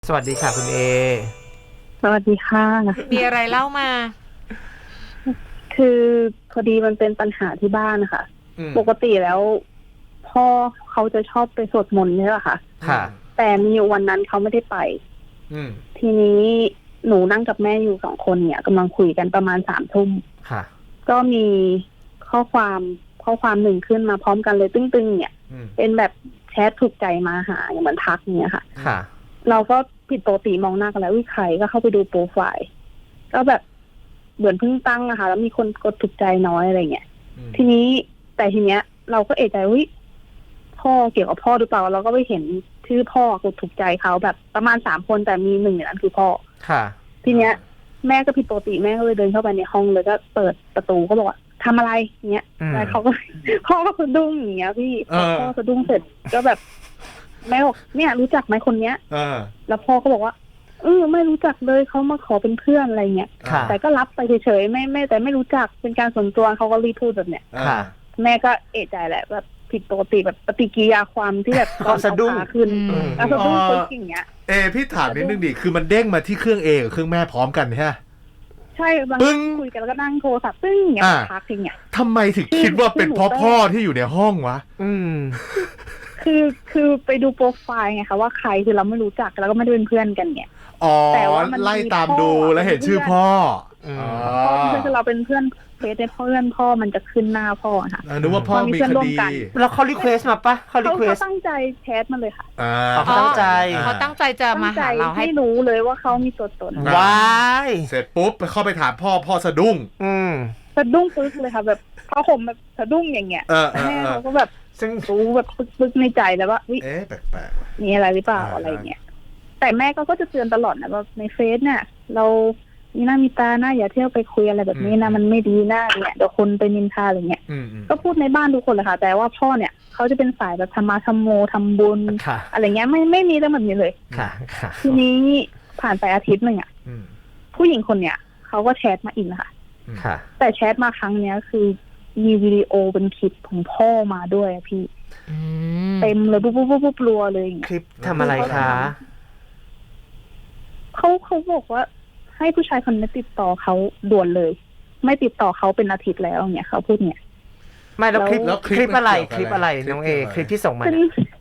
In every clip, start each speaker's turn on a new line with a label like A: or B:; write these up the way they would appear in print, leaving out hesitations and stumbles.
A: สวัสดีค่ะคุณเอ
B: สวัสดีค่ะ
C: มีอะไรเล่ามา
B: คือพอดีมันเป็นปัญหาที่บ้านค่ะปกติแล้วพ่อเขาจะชอบไปสวดมนต์ใช่ไหมคะ
A: ค่ะ
B: แต่มีวันนั้นเขาไม่ได้ไปทีนี้หนูนั่งกับแม่อยู่2 คนเนี่ยกำลังคุยกันประมาณ3 ทุ่ม
A: ค่ะ
B: ก็มีข้อความหนึ่งขึ้นมาพร้อมกันเลยตึ้งๆเนี่ยเป็นแบบแชทถูกใจมาหาอย่างเหมือนทักเนี่ยค่ะ
A: ค่ะ
B: เราก็ผิดปกติมองหน้ากันแล้ววิใครก็เข้าไปดูโปรไฟล์ก็แบบเหมือนเพิ่งตั้งนะคะแล้วมีคนกดถูกใจน้อยอะไรเงี้ยทีนี้เราก็เอะใจวิพ่อเกี่ยวกับพ่อหรือเปล่าเราก็ไปเห็นชื่อพ่อกดถูกใจเขาแบบประมาณ3 คนแต่มี1ในนั้นคือพ่อ
A: ค่ะ
B: ทีเนี้ยแม่ก็ผิดปกติแม่ก็เลยเดินเข้าไปในห้องเลยก็เปิดประตูก็บอกว่าทำอะไรเงี้ยแล้วเขาก็ พ่อก็สะดุ้งอย่างเงี้ยพี่พ่อสะดุ้งเสร็จก็แบบแม่บอกเนี่ยรู้จักไหมคนเนี้ยแล้วพ่อก็บอกว่าไม่รู้จักเลยเขามาขอเป็นเพื่อนอะไรเงี้ยแต่ก็รับไปเฉยๆไม่แต่ไม่รู้จักเป็นการส่วนตัวเขาก็รีบพูดแบบเนี้ยแม่ก็เอะใจแหละแบบผิดปกติแบบปฏิกิริยาความที่แบบ
A: ตอนสะดุ้ง
B: ขึ้นแล้วสะดุ้งคนอย่างเงี้ย
D: พี่ถามนิดนึงดิคือมันเด้งมาที่เครื่องเอกับเครื่องแม่พร้อมกันใช่ไหม
B: ใช่บางคุยกันแล้วก็นั่งโทรศัพท์ซึ่งอย่างเงี้ยพักอย่างเงี้ย
D: ทำไมถึงคิดว่าเป็นพ่อที่อยู่ในห้องวะ
B: คือไปดูโปรไฟล์ไงคะว่าใครคือเราไม่รู้จักแล้วก็ไม่ได้เป็นเพื่อนกันเนี่ย
D: แต่ว่าไล่ตามดูแล้วเห็นชื่อพ่อ
B: คือเราเป็นเพื่อนเฟซในเพื่อนพ่อมันจะขึ้นหน้าพ่อค่ะ
D: นึกว่าพ่อมีคดี
A: แล้วเขารีเควสมาปะเขา
B: ตั้งใจแชทมาเลยค่ะ
A: เขาตั้ง
C: ใจจะมาหาเราให้
B: รู้เลยว่าเขามีตัวตน
A: ว้าย
D: เสร็จปุ๊บเข้าไปถามพ่อสะดุ้ง
B: สะดุ้งปึ๊กเลยค่ะแบบเขาห่มแบบสะดุ้งอย่างเงี้ยแม่เขาก็แบบซึ่งรู้แบบปึ๊กในใจแล้วว่า
D: แปลก
B: ๆมีอะไรหรือเปล่าอะไรเงี้ยแต่แม่ก็จะเตือนตลอดนะว่าในเฟซเนี่ยเรามีหน้ามีตาหน้าอย่าเที่ยวไปคุยอะไรแบบนี้นะมันไม่ดีหน้าเนี่ยเดี๋ยวคนไปนินทาอะไรเงี้ยก็พูดในบ้านทุกคนเลยค่ะแต่ว่าพ่อเนี่ยเขาจะเป็นสายแบบธรรมะธรรมโมทำบุญอะไรเงี้ยไม่มีเรื่องแบบนี้เลยทีนี้ผ่านไปอาทิตย์นึงผู้หญิงคนเนี้ยเขาก็แชทมาอีกนะคะแต่แชทมาครั้งเนี้ยคือมีวิดีโอเป็นคลิปของพ่อมาด้วยพี่เต็มเลยปุ๊บรัวเลย
A: คลิปทำอะไรคะ
B: เขาบอกว่าให้ผู้ชายคนนี้ติดต่อเขาด่วนเลยไม่ติดต่อเขาเป็นอาทิตย์แล้วเนี่ยเขาพูดเนี่ย
A: ไม่แล้วคลิปอะไรน้องเอคลิปที่ส่งมา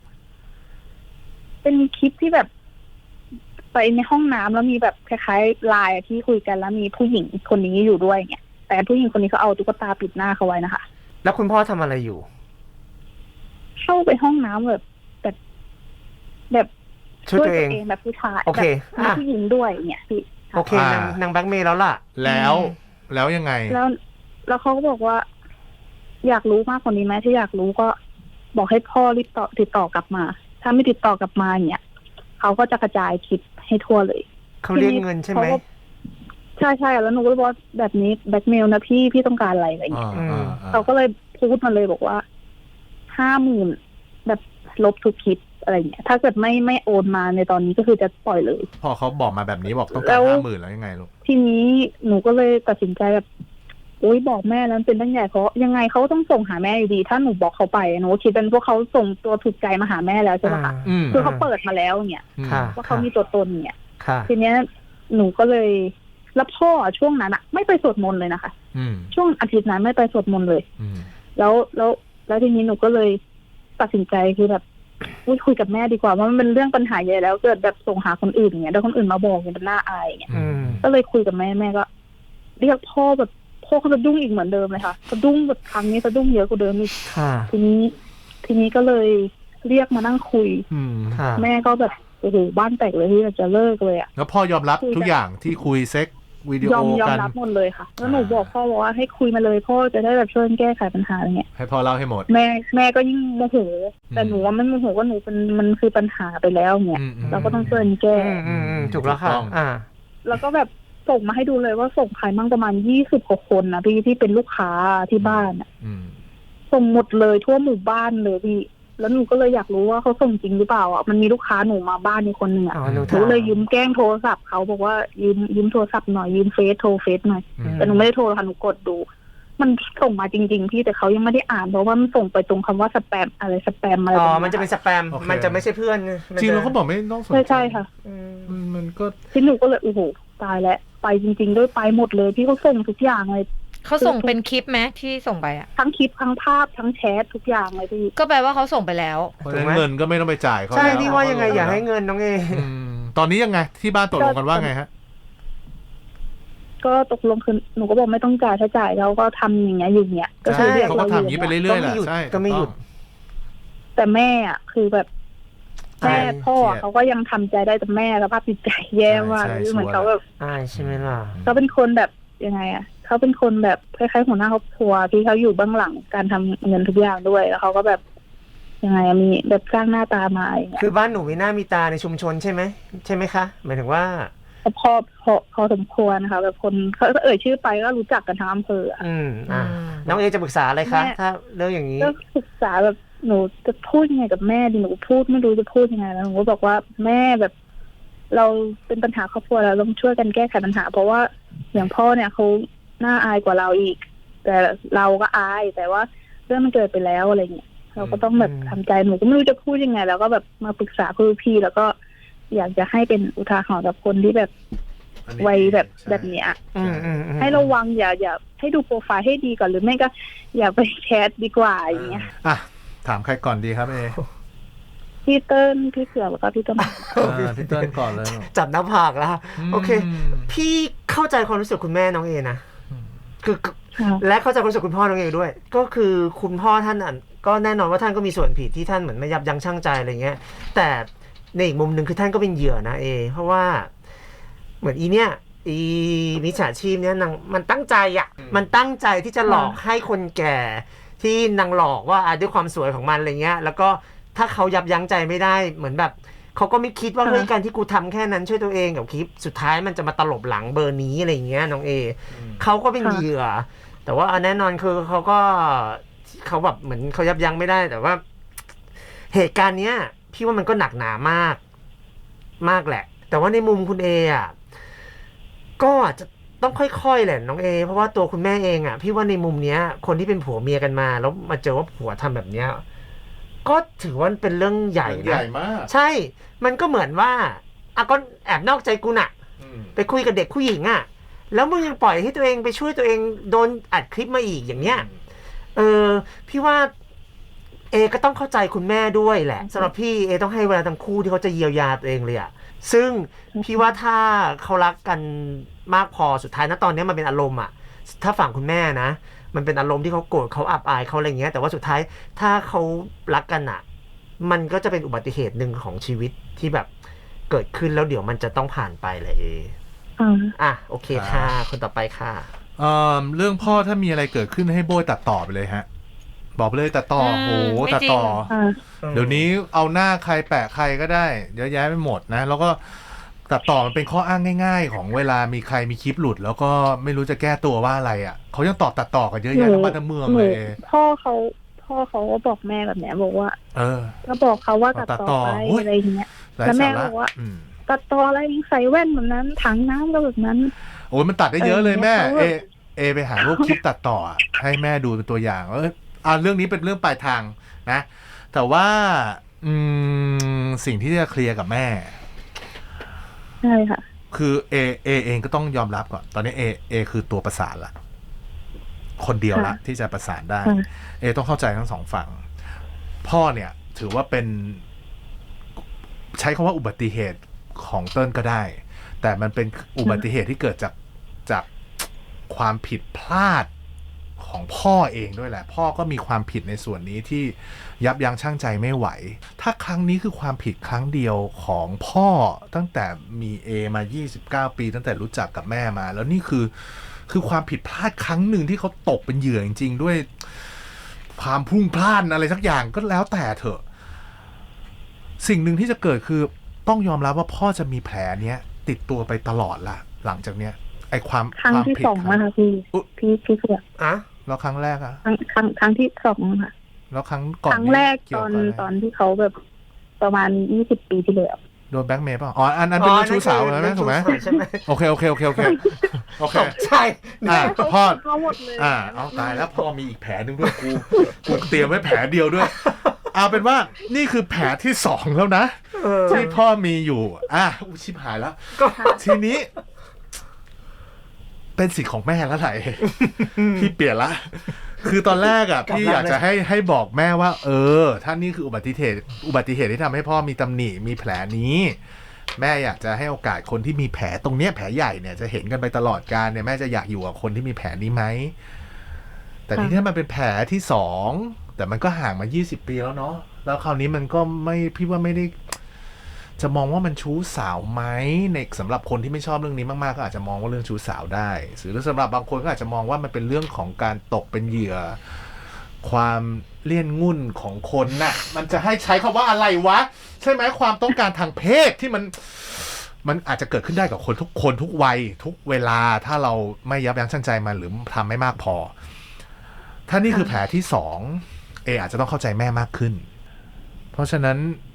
B: เป็นคลิปที่แบบไปในห้องน้ำแล้วมีแบบคล้ายๆไลน์ที่คุยกันแล้วมีผู้หญิงคนนี้อยู่ด้วยเนี่ยแต่ผู้หญิงคนนี้เขาเอาตุ๊กตาปิดหน้าเขาไว้นะคะ
A: แล้วคุณพ่อทำอะไรอยู่
B: เข้าไปห้องน้ำแบบ
A: ช่วยตัวเอง
B: แบบผู้ชาย
A: โอเค
B: มีผู้หญิงด้วยเนี่ยพี่
A: โอเคนางแบล็คเมย์แล้วล่ะ
D: แล้วยังไง
B: แล้วเขาก็บอกว่าอยากรู้มากกว่านี้ไหมถ้าอยากรู้ก็บอกให้พ่อรีบติดต่อกลับมาถ้าไม่ติดต่อกลับมาเนี่ยเขาก็จะกระจายคลิปให้ทั่วเลย
A: เขาเรียกเงินใช่ไหม
B: ใช่แล้วหนูก็บอกแบบนี้แบล็คเมลนะพี่ต้องการอะไรอย่างเงี้ยเขาก็เลยพูดมาเลยบอกว่า50,000แบบลบทุกคลิปอะไรเงี้ยถ้าเกิดไม่โอนมาในตอนนี้ก็คือจะปล่อยเลย
D: พอเขาบอกมาแบบนี้บอกต้องการ50,000แล้วยังไงลูก
B: ทีนี้หนูก็เลยตัดสินใจแบบบอกแม่แล้วเป็นเรื่องใหญ่เพราะยังไงเขาต้องส่งหาแม่อยู่ดีถ้าหนูบอกเขาไปหนูคิดเป็นพวกเขาส่งตัวถูกใจมาหาแม่แล้วใช่ไหมคะคือเขาเปิดมาแล้วเนี่ยว่าเขามีตัวตนเนี่ยทีเนี้ยหนูก็เลยแล้วพ่อช่วงนั้นไม่ไปสวดมนต์เลยนะคะช่วงอาทิตย์นั้นไม่ไปสวดมนต์เลยแล้วทีนี้หนูก็เลยตัดสินใจคือแบบคุยกับแม่ดีกว่าว่ามันเป็นเรื่องปัญหาใหญ่แล้วเกิดแบบส่งหาคนอื่นอย่างเงี้ยแล้วคนอื่นมาบอกเนี่ยเป็นน่าอายอย่างเงี้ยก็เลยคุยกับแม่ก็เรียกพ่อแบบพ่อเขาสะดุ้งอีกเหมือนเดิมเลยค่ะสะดุ้งแบบครั้งนี้สะดุ้งเยอะกว่าเดิมอีกทีนี้ก็เลยเรียกมานั่งคุยแม่ก็แบบโอ้โหบ้านแตกเลยที่จะเลิกเลย
D: แล้วพ่อยอมรับทุกอย่างที่คุยเซ็กวิดีโอกัน
B: ยอมรับหมดเลยค่ะแล้วหนูบอกพ่อว่าให้คุยมาเลยพ่อจะได้แบบช่วยแก้ไขปัญหาอะไรเงี้ย
D: ให้พ่อเล่าให้หมด
B: แม่ก็ยิ่งโมโหแต่หนูว่ามันโมโหว่าหนูมันคือปัญหาไปแล้วเนี่ยเราก็ต้องช่วยแก้
A: ถูกแล้วค่ะ
B: แล้วก็แบบส่งมาให้ดูเลยว่าส่งใครมั่งประมาณ20 กว่าคนนะพี่ที่เป็นลูกค้าที่บ้านส่งหมดเลยทั่วหมู่บ้านเลยพี่แล้วหนูก็เลยอยากรู้ว่าเขาส่งจริงหรือเปล่ามันมีลูกค้าหนูมาบ้านมีคนหนึ่งหนูเลยยืมแกล้งโทรศัพท์เขาบอกว่ายืมโทรศัพท์หน่อยยืมโทรเฟซหน่อยแต่หนูไม่ได้โทรค่ะหนูกดดูมันส่งมาจริงๆพี่แต่เขายังไม่ได้อ่านเพราะว่ามันส่งไปตรงคำว่าสแปมอะไรตรง
A: มันจะเป็นสแปม มันจะไม่ใช่เพื่อน
D: จริงแล้วเขาบอกไม่ต้องสนใจ
B: ใช่ค่ะ
D: มันก็
B: ที่หนูก็เลยโอ้โหตายแล้วไปจริงๆด้วยไปหมดเลยพี่เขาส่งทุกอย่างเลย
C: เขาส่งเป็นคลิปไหมที่ส่งไปอ่ะ
B: ทั้งคลิปทั้งภาพทั้งแชททุกอย่างเลยพี่
C: ก็แปลว่าเขาส่งไปแล้ว
D: เพราะฉะนั้นเงินก็ไม่ต้องไปจ่ายเขา
A: ใช่
D: แล้ว
A: นี่ว่ายังไงอย่าให้เงินน้องเอ
D: ตอนนี้ยังไงที่บ้านตกลงกันว่าไงฮะ
B: ก็ตกลงคือหนูก็บอกไม่ต้องจ่ายถ้าจ่ายเราก็ทำอย่างเงี้ยอยู่เงี้ยก็คือ
D: ใช่
B: เรียก
D: เขาก็
B: เรา
D: ทำอย่างนี้ไปเรื่อยๆแหละใช่
A: ก็ไม่หยุด
B: แต่แม่อ่ะคือแบบแม่
A: ใช่
B: พ่อเขาก็ยังทำใจได้แต่แม่สภาพจิตใจแย่มากเหมือนเขาแบบ
A: ใช่ไหมล่ะ
B: เขาเป็นคนแบบยังไงอ่ะเขาเป็นคนแบบคล้ายๆหัวหน้าครอบครัวที่เขาอยู่เบื้องหลังการทำเงินทุกอย่างด้วยแล้วเขาก็แบบยังไงมีแบบสร้างหน้าตามาอย่างเงี้ย
A: คือบ้านหนูมีหน้ามีตาในชุมชนใช่ไหมใช่ไหมคะหมายถึงว่า
B: พอสมควรนะคะแบบคนเขาเอ่ยชื่อไปก็รู้จักกันทั้งอำเภออะ
A: น้องเอจะปรึกษาอะไรคะถ้าเรื่องอย่างนี้
B: ก็ศึกษาแบบหนูจะพูดยังไงกับแม่ดีหนูพูดไม่รู้จะพูดยังไงแล้วหนูก็บอกว่าแม่แบบ เราเป็นปัญหาครอบครัวเราต้องช่วยกันแก้ไขปัญหา เพราะว่าอย่างพ่อเนี่ยเขาน่าอายกว่าเราอีก แต่เราก็อายแต่ว่าเรื่องมันเกิดไปแล้วอะไรเงี้ยเราก็ต้องแบบทำใจหนูก็ไม่รู้จะพูดยังไง แล้วก็แบบมาปรึกษาพี่แล้วก็อยากจะให้เป็นอุทาหรณ์กับคนที่แบบวัยแบบเนี้ยให้ระวังอย่าให้ดูโปรไฟล์ให้ดีก่อนหรือไม่ก็ อย่าไปแชทดีกว่าอย่างเงี้ย
D: อ่ะถามใครก่อนดีครับเอ
B: พี่เติ้ลพี่เสือแล้วก็พี่ต้น
D: พี่เติ้ลก่อนเลย
A: จับหน้าผากแล้วโอเค พี่เข้าใจความรู้สึกคุณแม่น้องเอนะคือและเข้าใจความรู้สึกคุณพ่อน้องเอด้วย ก็คือคุณพ่อท่านก็แน่นอนว่าท่านก็มีส่วนผิดที่ท่านเหมือนไม่ยับยั้งชั่งใจอะไรเงี้ยแต่ในอีกมุมหนึ่งคือท่านก็เป็นเหยื่อนะเพราะว่าเหมือนอีมิจฉาชีพเนี่ยนางมันตั้งใจมันตั้งใจที่จะหลอกให้คนแก่ที่นางหลอกว่าด้วยความสวยของมันอะไรเงี้ยแล้วก็ถ้าเขายับยั้งใจไม่ได้เหมือนแบบเขาก็ไม่คิดว่าเฮ้ยการที่กูทำแค่นั้นช่วยตัวเองกับคลิปสุดท้ายมันจะมาตลบหลังเบอร์นี้อะไรเงี้ยน้องเขาก็เป็นเหยื่อแต่ว่าแน่นอนคือเขาแบบเหมือนเขายับยั้งไม่ได้แต่ว่าเหตุการณ์เนี้ยพี่ว่ามันก็หนักหนามากแหละแต่ว่าในมุมคุณก็อาจจะต้องค่อยๆแหละน้องเพราะว่าตัวคุณแม่เองพี่ว่าในมุมเนี้ยคนที่เป็นผัวเมียกันมาแล้วมาเจอว่าผัวทำแบบเนี้ยก็ถือว่าเป็นเรื่องใหญ่นะใหญ่มากใช่มันก็เหมือนว่าก็แอบนอกใจกูน่ะไปคุยกับเด็กผู้หญิงแล้วมึงยังปล่อยให้ตัวเองไปช่วยตัวเองโดนอัดคลิปมาอีกอย่างเนี้ยพี่ว่าก็ต้องเข้าใจคุณแม่ด้วยแหละสำหรับพี่ต้องให้เวลาทั้งคู่ที่เขาจะเยียวยาตัวเองเลยซึ่งพี่ว่าถ้าเขารักกันมากพอสุดท้ายนะตอนนี้มันเป็นอารมณ์ถ้าฝั่งคุณแม่นะมันเป็นอารมณ์ที่เขาโกรธเขาอับอายเขาอะไรเงี้ยแต่ว่าสุดท้ายถ้าเขารักกันมันก็จะเป็นอุบัติเหตุหนึ่งของชีวิตที่แบบเกิดขึ้นแล้วเดี๋ยวมันจะต้องผ่านไปเลยโอเคค่ะคนต่อไปค่ะ
D: เรื่องพ่อถ้ามีอะไรเกิดขึ้นให้โบยตัดต่อไปเลยฮะบอกเลยตัดต่อโอ้ตัดต่อเดี๋ยวนี้เอาหน้าใครแปะใครก็ได้เยอะแยะไปหมดนะแล้วก็ตัดต่อมันเป็นข้ออ้างง่ายๆของเวลามีใครมีคลิปหลุดแล้วก็ไม่รู้จะแก้ตัวว่าอะไรเขายังตัดต่อกันเยอะแยะทั้งบ้านทั้งเมืองเลย
B: พ่อเขาก็บอกแม่แบบเนี้ยบอกว่าก็บอกเขาว่าตัดต่อไปอะไรอย่างเงี้ยแล้วแม่บอกว่าตัดต่ออะไรใส่แว่นแบบนั้นถังน้ำก็แบบนั้น
D: โอ้ยมันตัดได้เยอะเลยแม่ไปหาพวกคลิปตัดต่อให้แม่ดูเป็นตัวอย่างเรื่องนี้เป็นเรื่องปลายทางนะแต่ว่าสิ่งที่จะเคลียร์กับแม่
B: ใช่ค่ะ
D: คือเองก็ต้องยอมรับก่อนตอนนี้คือตัวประสานละคนเดียวละที่จะประสานได้ต้องเข้าใจทั้งสองฝั่งพ่อเนี่ยถือว่าเป็นใช้คำว่าอุบัติเหตุของเติ้ลก็ได้แต่มันเป็นอุบัติเหตุที่เกิดจากความผิดพลาดของพ่อเองด้วยแหละพ่อก็มีความผิดในส่วนนี้ที่ยับยั้งชั่งใจไม่ไหวถ้าครั้งนี้คือความผิดครั้งเดียวของพ่อตั้งแต่มีมา29ปีตั้งแต่รู้จักกับแม่มาแล้วนี่คือความผิดพลาดครั้งหนึ่งที่เขาตกเป็นเหยื่อจริงๆด้วยความพุ่งพล่านอะไรสักอย่างก็แล้วแต่เถอะสิ่งหนึ่งที่จะเกิดคือต้องยอมรับว่าพ่อจะมีแผลเนี้ยติดตัวไปตลอดละหลังจากเนี้ยไอ้ความ
B: ครั้งที่2นะคะพี่เสือ
D: แล้วครั้งแรก
B: ครั้งที่2ค่ะ
D: แล้วครั้งก่อน
B: ครั้งแรกตอนที่เขาแบบประมาณ20ปีที่แล้ว
D: โดนแบล็กเมย์ป่ะอ๋ออันเป็นเรื่องชู้สาวนะถูกไหม
A: ใช่ไหม
D: โอเค
A: ใช่
D: พ่อ
B: เขาหมดเลย
D: เอาตายแล้วพ่อมีอีกแผลนึงด้วยกูเตรียมไว้แผลเดียวด้วยเอาเป็นว่านี่คือแผลที่2แล้วนะที่พ่อมีอยู่ชิบหายแล้วทีนี้เป็นสิทธิ์ของแม่แล้วไหนพี่เปลี่ยนละคือตอนแรกพี่อยากจะให้บอกแม่ว่าถ้านี่คืออุบัติเหตุที่ทำให้พ่อมีตำหนิมีแผลนี้แม่อยากจะให้โอกาสคนที่มีแผลตรงเนี้ยแผลใหญ่เนี่ยจะเห็นกันไปตลอดกาลเนี่ยแม่จะอยากอยู่กับคนที่มีแผลนี้ไหมแต่ทีนี้มันเป็นแผลที่2แต่มันก็ห่างมา20ปีแล้วเนาะแล้วคราวนี้มันก็พี่ว่าไม่ได้จะมองว่ามันชู้สาวไหมในสำหรับคนที่ไม่ชอบเรื่องนี้มากๆก็อาจจะมองว่าเรื่องชู้สาวได้หรือสำหรับบางคนก็อาจจะมองว่ามันเป็นเรื่องของการตกเป็นเหยื่อความเลี่ยนงุ่นของคนน่ะมันจะให้ใช้คำว่าอะไรวะใช่ไหมความต้องการทางเพศที่มันอาจจะเกิดขึ้นได้กับคนทุกคนทุกวัยทุกเวลาถ้าเราไม่ยับยั้งชั่งใจมันหรือทำไม่มากพอถ้านี่คือแผลที่2อาจจะต้องเข้าใจแม่มากขึ้นเพราะฉะนั้น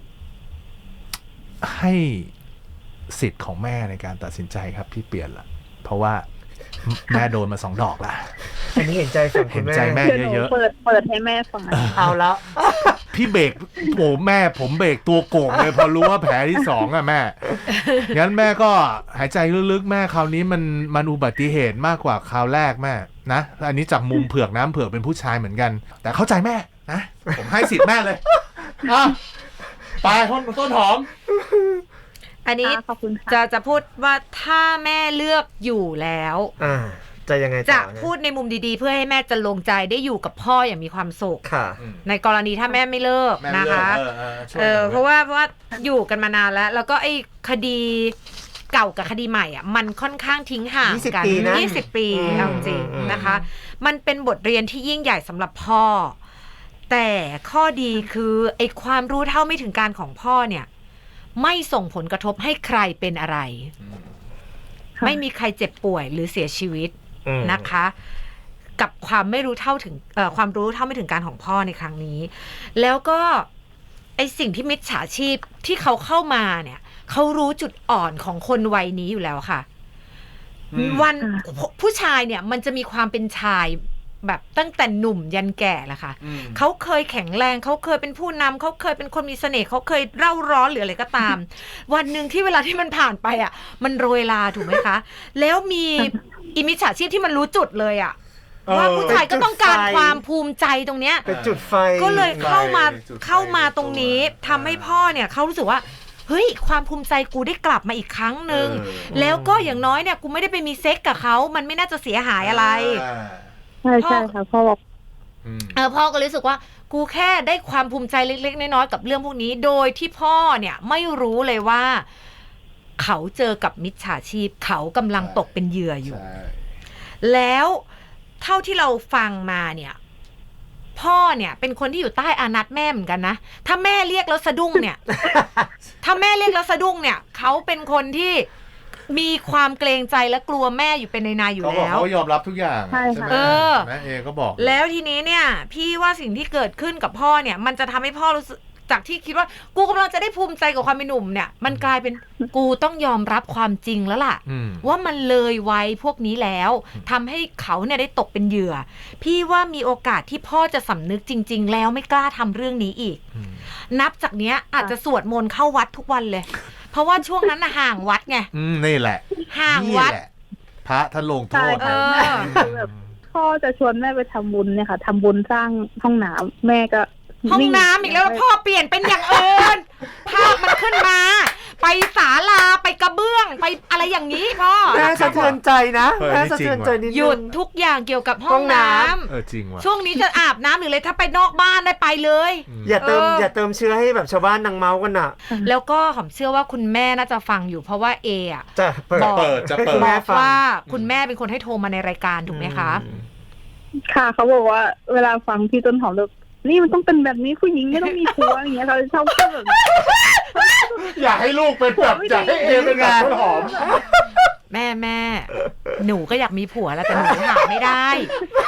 D: ให้สิทธิ์ของแม่ในการตัดสินใจครับพี่เปลี่ยนละเพราะว่าแม่โดนมา2 ดอกละ
A: อันนี้เห็นใจฝั่งคุณแม่
D: เห็นใจแม่เยอะ
B: ๆเปิดให้แม่ฟัง
A: เอาแล้ว
D: พี่เบรกโอ้แม่ผมเบรกตัวโก่งเลยพอรู้ว่าแผลที่2แม่งั้นแม่ก็หายใจลึกๆแม่คราวนี้มันอุบัติเหตุมากกว่าคราวแรกแม่นะอันนี้จากมุมเผือกน้ำเผือกเป็นผู้ชายเหมือนกันแต่เข้าใจแม่นะผมให้สิทธิ์แม่เลยไปต้นหอม
C: อันนี้จะพูดว่าถ้าแม่เลือกอยู่แล้ว
A: จะยังไง
C: จะพูดในมุมดีๆเพื่อให้แม่จะลงใจได้อยู่กับพ่ออย่างมีความสุขในกรณีถ้าแม่ไม่เลิกนะคะเพราะว่าอยู่กันมานานแล้วก็ไอ้คดีเก่ากับคดีใหม่มันค่อนข้างทิ้งห่างกัน20 ปีเอาจริงนะคะมันเป็นบทเรียนที่ยิ่งใหญ่สำหรับพ่อแต่ข้อดีคือไอ้ความรู้เท่าไม่ถึงการของพ่อเนี่ยไม่ส่งผลกระทบให้ใครเป็นอะไรไม่มีใครเจ็บป่วยหรือเสียชีวิตนะคะกับความไม่รู้เท่าถึงความรู้เท่าไม่ถึงการของพ่อในครั้งนี้แล้วก็ไอสิ่งที่มิจฉาชีพที่เขาเข้ามาเนี่ยเขารู้จุดอ่อนของคนวัยนี้อยู่แล้วค่ะวันผู้ชายเนี่ยมันจะมีความเป็นชายแบบตั้งแต่หนุ่มยันแก่แหละค่ะเขาเคยแข็งแรงเขาเคยเป็นผู้นำเขาเคยเป็นคนมีเสน่ห์เขาเคยเร่าร้อนหรืออะไรก็ตาม วันหนึ่งที่เวลาที่มันผ่านไปมันโรยลาถูกไหมคะแล้วมีอิมิจฉาชีพที่มันรู้จุดเลยว่าผู้ชายก็ต้องการความภูมิใจตรงเนี้ย
A: เป็นจุดไฟ
C: ก็เลยเข้ามาตรงนี้ทำให้พ่อเนี่ยเขารู้สึกว่าเฮ้ยความภูมิใจกูได้กลับมาอีกครั้งนึงแล้วก็อย่างน้อยเนี่ยกูไม่ได้ไปมีเซ็กกับเขามันไม่น่าจะเสียหายอะไร
B: ใช่ค่ะพ่อบอก
C: พ่อก็รู้สึกว่ากูแค่ได้ความภูมิใจเล็กๆน้อยๆกับเรื่องพวกนี้โดยที่พ่อเนี่ยไม่รู้เลยว่าเขาเจอกับมิจฉาชีพเขากำลังตกเป็นเหยื่ออยู่แล้วเท่าที่เราฟังมาเนี่ยพ่อเนี่ยเป็นคนที่อยู่ใต้อานัตแม่เหมือนกันนะถ้าแม่เรียกแล้วสะดุ้งเนี่ยถ้าแม่เรียกแล้วสะดุ้งเนี่ยเขาเป็นคนที่มีความเกรงใจและกลัวแม่อยู่เป็นในอยู่แล้ว
D: เขายอมรับทุกอย่างใช่ไหมแม่ก็บอก
C: แล้วทีนี้เนี่ยพี่ว่าสิ่งที่เกิดขึ้นกับพ่อเนี่ยมันจะทำให้พ่อรู้สึกจากที่คิดว่ากูกำลังจะได้ภูมิใจกับความเป็นหนุ่มเนี่ยมันกลายเป็นกูต้องยอมรับความจริงแล้วล่ะว่ามันเลยวัยพวกนี้แล้วทำให้เขาเนี่ยได้ตกเป็นเหยื่อพี่ว่ามีโอกาสที่พ่อจะสำนึกจริงๆแล้วไม่กล้าทำเรื่องนี้อีกนับจากเนี้ยอาจจะสวดมนต์เข้าวัดทุกวันเลยเพราะว่าช่วงนั้นห่างวัดไง
D: นี่แหละ
C: ห่างวัด
D: พระท่านลงโทษ
B: แบบพ่อจะชวนแม่ไปทำบุญเนี่ยค่ะทำบุญสร้างห้องน้ำแม่ก็
C: ห้องน้ำอีกแล้วพ่อเปลี่ยนเป็นอย่างอื่นภาพมันขึ้นมาไปศาลาไปกระเบื้องไปอะไรอย่างนี้พ่อ
A: แม่สะเทือนใจนะแม่สะเทือนใจนิดนึง
C: หยุดทุกอย่างเกี่ยวกับห้องน้
D: ำจริงว่ะ
C: ช่วงนี้จะอาบน้ำหรืออะไรถ้าไปนอกบ้านได้ไปเลย
A: อย่าเติมเชื้อให้แบบชาวบ้านนางเมากันน่ะ
C: แล้วก็หอมเชื่อว่าคุณแม่น่าจะฟังอยู่เพราะว่า
A: จะเปิด
C: ว่าคุณแม่เป็นคนให้โทรมาในรายการถูกไหมคะ
B: ค่ะเขาบอกว่าเวลาฟังพี่ต้นหอมเลยนี่มันต้องเป็นแบบนี้ผู้หญิงไม่ต้องมีผัวอย่างเงี้ยเขาชอบพูดแบบ
D: อยากให้ลูกเป็นแบบอยากให้เป็นแบบต้นหอม
C: แม่หนูก็อยากมีผัวแล้วแต่หนูหาไม่ได้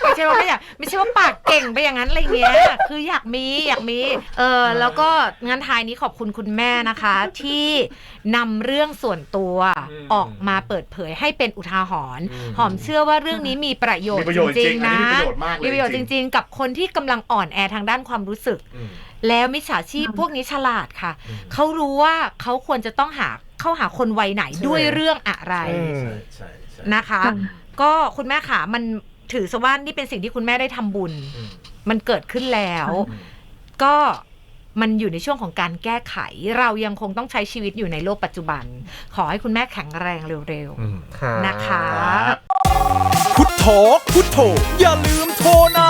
C: ไม่ใช่ว่าปากเก่งไปอย่างนั้นอะไรเงี้ยคืออยากมีแล้วก็งานท้ายนี้ขอบคุณคุณแม่นะคะที่นำเรื่องส่วนตัวออกมาเปิดเผยให้เป็นอุทาหรณ์หอมเชื่อว่าเรื่องนี้มีประโยชน์จริงๆนะมีประโยชน์จริงๆกับคนที่กำลังอ่อนแอทางด้านความรู้สึกแล้วมิจฉาชีพพวกนี้ฉลาดค่ะเขารู้ว่าเขาควรจะต้องเข้าหาคนวัยไหนด้วยเรื่องอะไรนะคะก็คุณแม่ขามันถือซะว่านี่เป็นสิ่งที่คุณแม่ได้ทำบุญมันเกิดขึ้นแล้วก็มันอยู่ในช่วงของการแก้ไขเรายังคงต้องใช้ชีวิตอยู่ในโลกปัจจุบันขอให้คุณแม่แข็งแรงเร็วๆนะคะ
E: พุทโธอย่าลืมโทรนะ